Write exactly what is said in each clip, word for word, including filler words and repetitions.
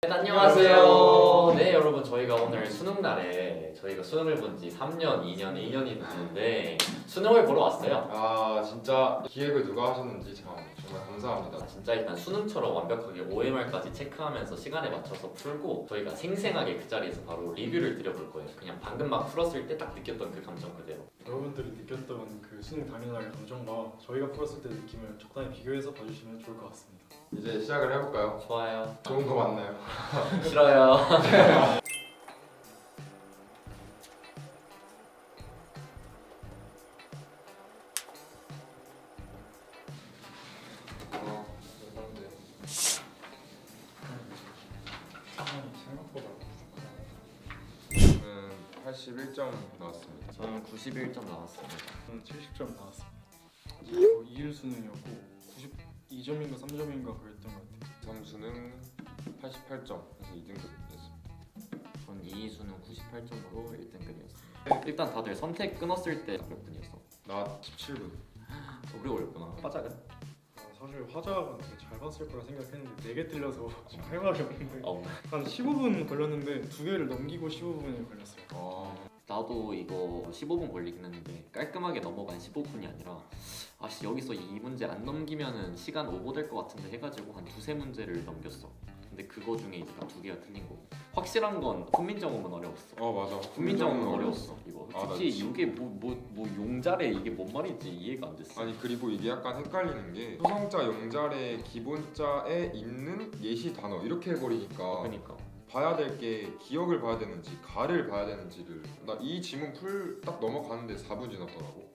네, 안녕하세요. 네, 여러분 저희가 오늘 수능 날에 저희가 수능을 본 지 삼 년, 이 년, 일 년이 됐는데 수능을 보러 왔어요. 아 진짜 기획을 누가 하셨는지 참 정말 감사합니다. 아, 진짜 일단 수능처럼 완벽하게 오엠알까지 체크하면서 시간에 맞춰서 풀고 저희가 생생하게 그 자리에서 바로 리뷰를 드려볼 거예요. 그냥 방금 막 풀었을 때 딱 느꼈던 그 감정 그대로. 여러분들이 느꼈던 그 수능 당일날의 감정과 저희가 풀었을 때 느낌을 적당히 비교해서 봐주시면 좋을 것 같습니다. 이제 시작을 해볼까요? 좋아요. 좋은 거 맞나요? 싫어요. 어, 감사합니다. 생각보다 저는 팔십일 점 나왔습니다. 저는 구십일 점 나왔습니다. 저는 칠십 점 나왔습니다. 어, 이 일 수능이었고 구십이 점인가 삼 점인가 그랬던 것 같아요. 점수는 팔십팔 점에서 이 등급이었습니다. 전 이 수능 구십팔 점으로 일 등급이었습니다. 일단 다들 선택 끊었을 때 몇 분이었어? 나 십칠 분. 우리 어렵구나. 화작은? 아, 사실 화작은 되게 잘 봤을 거라 생각했는데 네 개 틀려서 할 말이 없는데 어. 한 십오 분 걸렸는데 두 개를 넘기고 십오 분이 걸렸어요. 아, 나도 이거 십오 분 걸리긴 했는데 깔끔하게 넘어간 십오 분이 아니라 아씨 여기서 이 문제 안 넘기면은 시간 오버될 것 같은데 해가지고 한 두세 문제를 넘겼어. 근데 그거 중에 이제 딱 두 개가 틀린 거고 확실한 건 훈민정음은 어려웠어. 어 맞아. 훈민정음은 어려웠어. 이거 아, 나 특히 진- 이게 뭐 뭐 뭐 용자래 이게 뭔 말인지 이해가 안 됐어. 아니 그리고 이게 약간 헷갈리는 게 소성자, 용자래, 기본자에 있는 예시 단어 이렇게 해버리니까 그러니까 봐야 될 게 기억을 봐야 되는지 가를 봐야 되는지를 나 이 지문 풀 딱 넘어가는데 사 분 지났더라고.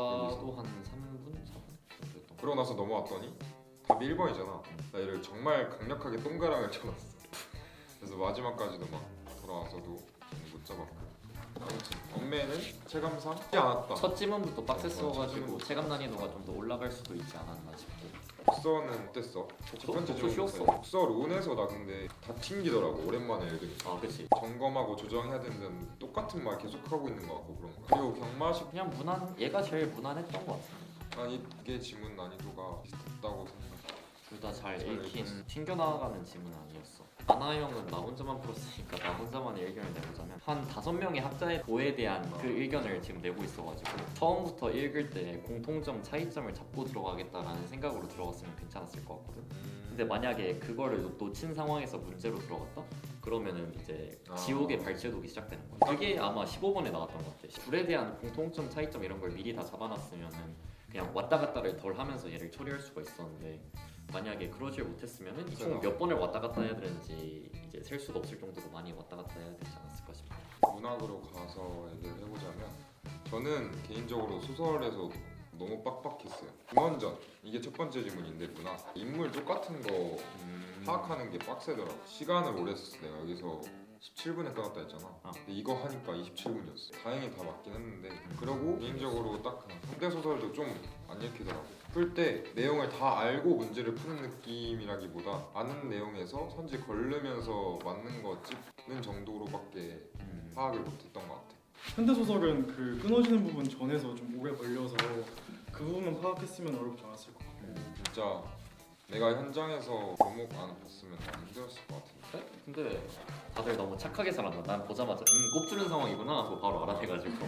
나도 한 삼 분, 사 분 정도였던 거. 그러고 나서 넘어왔더니 답이 일 번이잖아. 나 얘를 정말 강력하게 동그라미를 쳐놨어. 그래서 마지막까지도 막 돌아와서도 못 잡았고. 아무튼 엄매는 체감상 쉽지 않았다. 첫 지문부터 빡셌어가지고 첫 지문. 체감 난이도가 좀 더 올라갈 수도 있지 않았나 싶고. 독서는 어땠어? 첫 번째 독서 질문 쉬웠어. 독서 론에서 나 근데 다 튕기더라고. 오랜만에 읽으니까. 아 그치. 점검하고 조정해야 되는 똑같은 말 계속 하고 있는 것 같고 그런 거. 그리고 경마식 그냥 무난 얘가 제일 무난했던 것 같아. 난 이게 지문 난이도가 비슷했다고 생각해. 둘 다 잘 잘 읽힌 읽었어. 튕겨나가는 지문은 아니었어. 아나 형은 나 혼자만 풀었으니까 나 혼자만의 의견을 내보자면 한 다섯 명의 학자의 도에 대한 그 의견을 지금 내고 있어가지고 처음부터 읽을 때 공통점 차이점을 잡고 들어가겠다라는 생각으로 들어갔으면 괜찮았을 것 같거든. 근데 만약에 그거를 놓친 상황에서 문제로 들어갔다? 그러면은 이제 아. 지옥의 발제독이 시작되는 거야. 그게 아마 십오 번에 나왔던 것 같아. 둘에 대한 공통점 차이점 이런 걸 미리 다 잡아놨으면은 그냥 왔다 갔다를 덜 하면서 얘를 처리할 수가 있었는데 만약에 그러질 못했으면은 총 몇 번을 왔다 갔다 해야 되는지 이제 셀 수도 없을 정도로 많이 왔다 갔다 해야 되지 않았을까 싶어. 문학으로 가서 얘기를 해보자면 저는 개인적으로 소설에서 너무 빡빡했어요. 김원전 이게 첫 번째 질문인데 문학 인물 똑같은 거 음... 파악하는 게 빡세더라고. 시간을 오래 썼어. 내가 여기서 십칠 분에 끊었다 했잖아. 아. 근데 이거 하니까 이십칠 분이었어. 다행히 다 맞긴 했는데 그러고 개인적으로 딱 그냥 현대 소설도 좀 안 읽히더라고. 풀 때 내용을 다 알고 문제를 푸는 느낌이라기보다 아는 내용에서 선지 걸르면서 맞는 거 찍는 정도로밖에 음... 파악을 못했던 것 같아. 현대 소설은 그 끊어지는 부분 전에서 좀 오래 걸려서 그 부분만 파악했으면 어렵지 않았을 것 같아요. 진짜 내가 현장에서 교목 안 봤으면 안 힘들었을 것 같은데. 그래? 근데 다들 너무 착하게 살았나? 난 보자마자 음 꼽주는 상황이구나 하고 바로 알아내가지고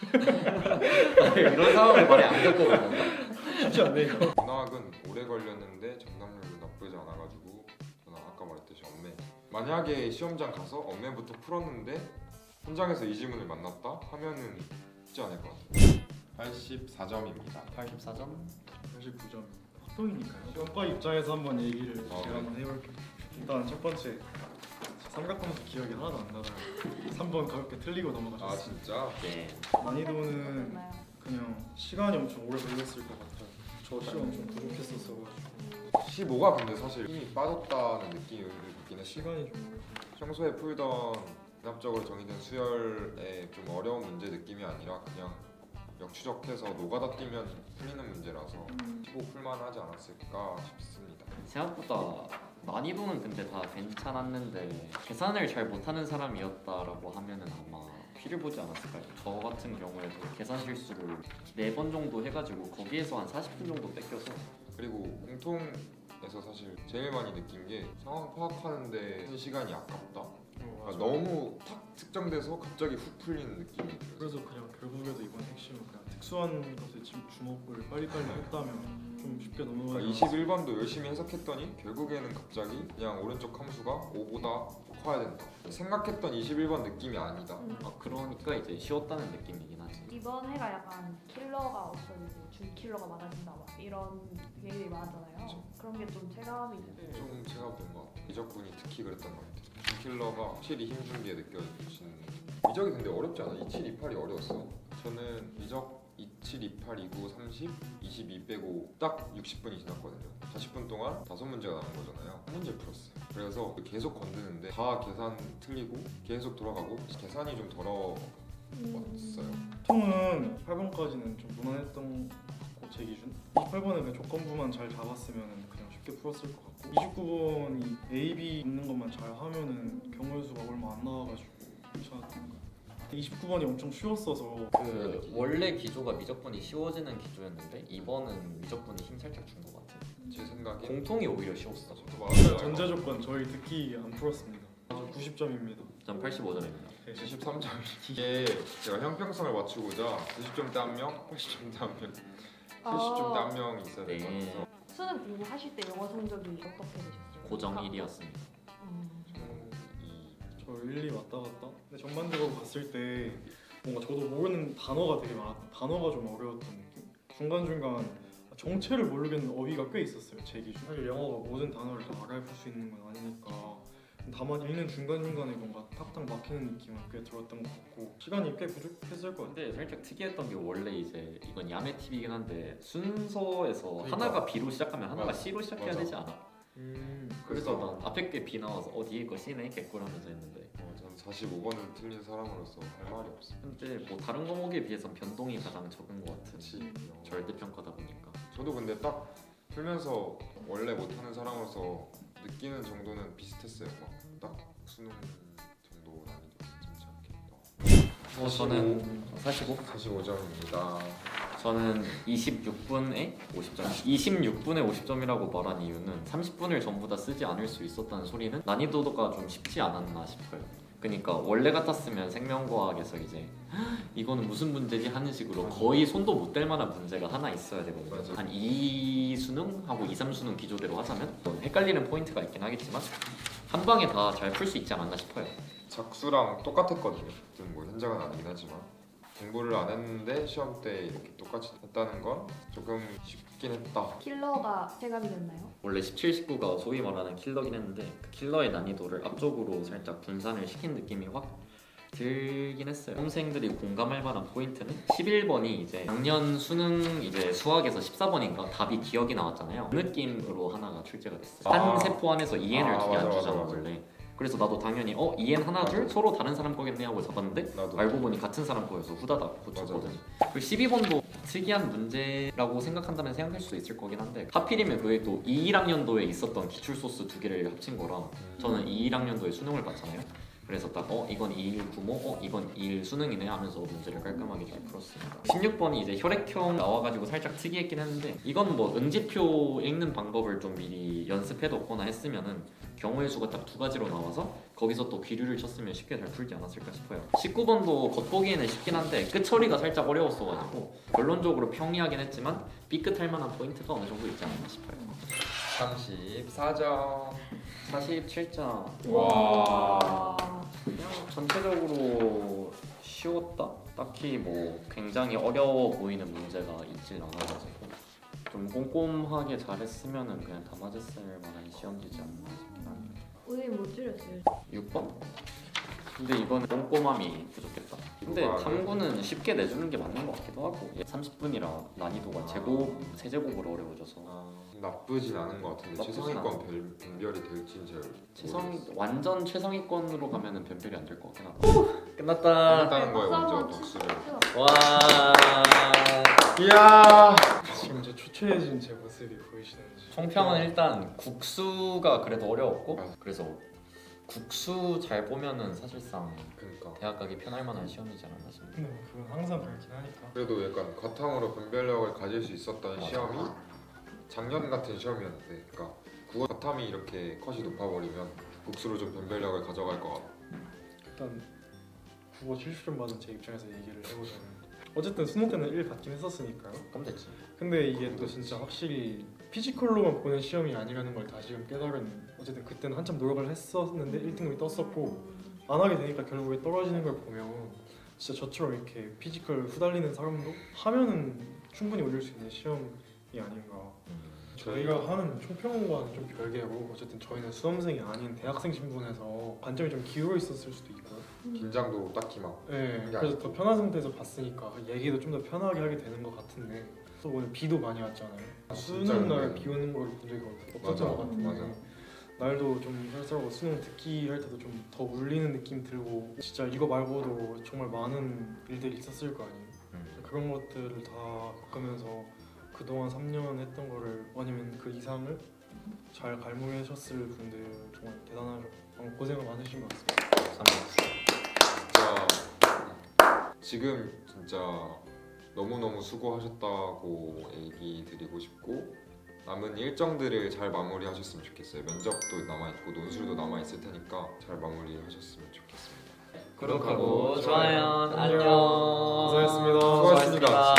다들 이런 상황을 많이 안 겪어보는다. 쉽지 않네요. 문학은 오래 걸렸는데 정답률도 나쁘지 않아가지고 저는 아까 말했듯이 엄매 만약에 시험장 가서 엄매부터 풀었는데 현장에서 이 질문을 만났다 하면은 쉽지 않을 것 같아요. 팔십사 점입니다. 팔십사 점? 팔십구 점. 합동이니까요. 시험과 입장에서 한번 얘기를 어, 제가 한번 해볼게요. 일단 첫 번째 삼각함수 기억이 하나도 안 나요. 삼 번 가볍게 틀리고 아 넘어가셨어요. 진짜? 네. 난이도는 그냥 시간이 엄청 오래 걸렸을 것 같아요. 저 시간 좀 부족했었어가지고 십오가 근데 사실 힘이 빠졌다는 느낌이 있긴 했어. 시간이 좀 오래 걸렸어요. 평소에 풀던 대합적으로 정의된 수열의 좀 어려운 문제 느낌이 아니라 그냥 역추적해서 노가다 뛰면 풀리는 문제라서 십오 풀만 하지 않았을까 싶습니다. 생각보다 난이도는 근데 다 괜찮았는데 계산을 잘 못하는 사람이었다라고 하면은 아마 피를 보지 않았을까요? 저 같은 경우에도 계산 실수를 네 번 정도 해가지고 거기에서 한 사십 분 정도 뺏겨서 그리고 공통 시간에서 사실 제일 많이 느낀 게 상황 파악하는데 시간이 아깝다. 어, 그러니까 맞아. 너무 탁 특정돼서 갑자기 훅 풀리는 느낌이 들어요. 그래서 그냥 결국에도 이번 핵심은 그냥 특수한 것에 지- 주목을 빨리빨리 했다면 좀 쉽게 넘어가지 그러니까 이십일 번도 열심히 해석했더니 결국에는 갑자기 그냥 오른쪽 함수가 오보다 커야 된다. 생각했던 이십일 번 느낌이 아니다. 음. 아, 그러니까 이제 쉬웠다는 느낌이긴 하지. 이번 해가 약간 킬러가 없어지고 준 킬러가 많아진다 막 이런 얘기들이 많았잖아요. 그쵸. 그런 게 좀 체감이 되고 좀 제가 본 것 같아요. 미적분이 특히 그랬던 것 같아요. 킬러가 확실히 힘 준 게 느껴지는. 미적이 근데 어렵지 않아? 이칠, 이팔이 어려웠어. 저는 미적 이칠, 이팔, 이구, 삼십, 이십이 빼고 딱 육십 분이 지났거든요. 사십 분 동안 다섯 문제가 남은 거잖아요. 한 문제 풀었어요. 그래서 계속 건드는데 다 계산 틀리고 계속 돌아가고 계산이 좀 더러웠어요. 보통은 팔 번까지는 좀 무난했던 것 같고 제 기준 이십팔 번은 그냥 조건부만 잘 잡았으면 그냥 쉽게 풀었을 것 같고 이십구 번이 A, B 있는 것만 잘 하면은 경우의 수가 얼마 안 나와가지고 괜찮았던 것 같아요. 이십구 번이 엄청 쉬웠어서 그 원래 기조가 미적분이 쉬워지는 기조였는데 이번은 미적분이 힘 살짝 준 것 같아. 제 생각에 공통이 오히려 쉬웠어. 저도 맞아요. 전제 조건 저희 듣기 안 풀었습니다. 저 구십 점입니다. 전 팔십오 점입니다. 칠십삼 점. 이게 제가 형평성을 맞추고자 구십 점대 한 명, 팔십 점대 한 명, 칠십 점대 한 명 있어야 될 것 네. 같아서 수능 공부하실 때 영어 성적이 어떻게 되셨어요? 고정 일 위였습니다. 음. 저는 이 저 일, 이 왔다 갔다. 근데 전반적으로 봤을 때 뭔가 저도 모르는 단어가 되게 많았. 단어가 좀 어려웠던 느낌. 중간 중간 정체를 모르겠는 어휘가 꽤 있었어요. 제 기준. 사실 영어가 모든 단어를 다 알아볼 수 있는 건 아니니까. 다만 읽는 중간 중간에 뭔가 탁탁 막히는 느낌은 꽤 들었던 것 같고 시간이 꽤 부족했을 것 같아요. 근데 살짝 특이했던 게 원래 이제 이건 야매 팁이긴 한데 순서에서 그러니까. 하나가 B로 시작하면 하나가 맞아. C로 시작해야 맞아. 되지 않아? 음. 그래서 난 앞에 게 B 나와서 어 뒤에 거 C네 개꿀하면서 했는데 어, 전 사십오 번을 틀린 사람으로서 할 말이 없어. 근데 뭐 다른 과목에 비해서 변동이 가장 적은 것 같은 그치. 절대평가다 보니까 저도 근데 딱 풀면서 원래 못하는 사람으로서 느끼는 정도는 비슷했어요. 막 딱 수능 정도 난이도 괜찮지 않겠다. 뭐 저는 사십오? 사십오 점입니다. 저는 이십육 분에 오십 점. 이십육 분에 오십 점이라고 말한 이유는 삼십 분을 전부 다 쓰지 않을 수 있었다는 소리는 난이도가 좀 쉽지 않았나 싶어요. 그러니까 원래 같았으면 생명과학에서 이제 이거는 무슨 문제지 하는 식으로 거의 손도 못 댈 만한 문제가 하나 있어야 되거든요. 맞아. 한 이 수능하고 이, 삼 수능 기조대로 하자면 뭐 헷갈리는 포인트가 있긴 하겠지만 한 방에 다 잘 풀 수 있지 않았나 싶어요. 작수랑 똑같았거든요. 좀 뭐 현장은 아니긴 하지만 공부를 안 했는데 시험 때 이렇게 똑같이 했다는 건 조금 쉽긴 했다. 킬러가 체감이 됐나요? 원래 십칠, 십구가 소위 말하는 킬러긴 했는데 그 킬러의 난이도를 앞쪽으로 살짝 분산을 시킨 느낌이 확 들긴 했어요. 수험생들이 공감할 만한 포인트는 십일 번이 이제 작년 수능 이제 수학에서 십사 번인가 답이 기억이 나왔잖아요. 그 느낌으로 하나가 출제가 됐어요. 아. 한 세포 안에서 이엔을 아, 두 개 안 맞아, 주잖아 맞아, 맞아. 원래. 그래서 나도 당연히 어 이엔 하나 둘 맞아. 서로 다른 사람 거겠네 하고 잡았는데 나도 알고 보니 같은 사람 거여서 후다닥 고쳤거든. 그리고 십이 번도 특이한 문제라고 생각한다면 생각할 수 있을 거긴 한데 하필이면 그게 또 이십일 학년도에 있었던 기출 소스 두 개를 합친 거라 저는 이십일 학년도에 수능을 봤잖아요. 그래서 딱 어 이건 이십일 구모, 어 이건 이십일 수능이네 하면서 문제를 깔끔하게 잘 풀었습니다. 십육 번이 이제 혈액형 나와가지고 살짝 특이했긴 했는데 이건 뭐 응집표 읽는 방법을 좀 미리 연습해뒀거나 했으면은 경우의 수가 딱 두 가지로 나와서 거기서 또 귀류를 쳤으면 쉽게 잘 풀지 않았을까 싶어요. 십구 번도 겉보기에는 쉽긴 한데 끝처리가 살짝 어려웠어가지고 결론적으로 평이하긴 했지만 삐끗할 만한 포인트가 어느 정도 있지 않았나 싶어요. 삼십사 점. 사십칠 점. 와. 그냥 전체적으로 쉬웠다? 딱히 뭐 굉장히 어려워 보이는 문제가 있진 않아가지고 좀 꼼꼼하게 잘했으면은 그냥 다 맞았을 만한 시험지지 않나 싶긴 합니다. 의의 못 줄였어요. 육 번? 근데 이거는 꼼꼼함이 부족했다. 근데 아, 탐구는 쉽게 내주는 게 맞는 것 같기도 하고 삼십 분이라 난이도가 제곱, 세제곱으로 어려워져서 나쁘진 않은 것 같은데 나쁘진 최상위권 별, 분별이 될지는 잘 최상 모르겠어요. 완전 최상위권으로 가면은 변별이 안 될 것 같긴 하다. 끝났다. 끝났다는 거에 박수 먼저 한번 박수를. 치세요. 와. 이야. 지금 이제 초췌해진 제 모습이 보이시는지. 총평은 일단 국수가 그래도 어려웠고 맞아. 그래서 국수 잘 보면은 사실상 그러니까 대학 가기 편할 만한 시험이지 않았나 싶습니다. 근데 뭐 그건 항상 그렇긴 하니까. 그래도 약간 과탕으로 분별력을 가질 수 있었던 맞아. 시험이 작년 같은 시험이었는데, 그러니까 국어 바텀이 이렇게 컷이 높아버리면 복수로 좀 변별력을 가져갈 것 같아. 일단 국어 칠십 점 받은 제 입장에서 얘기를 해보자면 어쨌든 수능 때는 일 받긴 했었으니까요. 그럼 됐지. 근데 이게 또 진짜 확실히 피지컬로만 보는 시험이 아니라는 걸 다시금 깨달은, 어쨌든 그때는 한참 노력을 했었는데 일 등급이 떴었고 안 하게 되니까 결국에 떨어지는 걸 보면 진짜 저처럼 이렇게 피지컬 후달리는 사람도 하면은 충분히 올릴 수 있는 시험이 아닌가. 저희가 하는 총평과는 좀 별개고 어쨌든 저희는 수험생이 아닌 대학생 신분에서 관점이 좀 기울어 있었을 수도 있고요. 긴장도 딱히 막 네, 그게 그래서 더 편한 상태에서 봤으니까 얘기도 좀 더 편하게 하게 되는 것 같은데 또 오늘 비도 많이 왔잖아요. 진짜 수능 날 근데. 비 오는 걸 본 적이 없었던 맞아, 것 같은데 맞아. 날도 좀 쌀쌀하고 수능 듣기 할 때도 좀 더 울리는 느낌 들고 진짜 이거 말고도 정말 많은 일들이 있었을 거 아니에요. 음. 그런 것들을 다 겪으면서 그동안 삼 년 했던 거를 아니면 그 이상을 잘 갈무리하셨을 분들 정말 대단하죠. 어, 고생을 많으신 것 같습니다. 진짜 지금 진짜 너무너무 수고하셨다고 얘기 드리고 싶고 남은 일정들을 잘 마무리하셨으면 좋겠어요. 면접도 남아있고 논술도 남아있을 테니까 잘 마무리하셨으면 좋겠습니다. 구독하고 좋아요. 안녕. 안녕. 고생하셨습니다. 수고하셨습니다.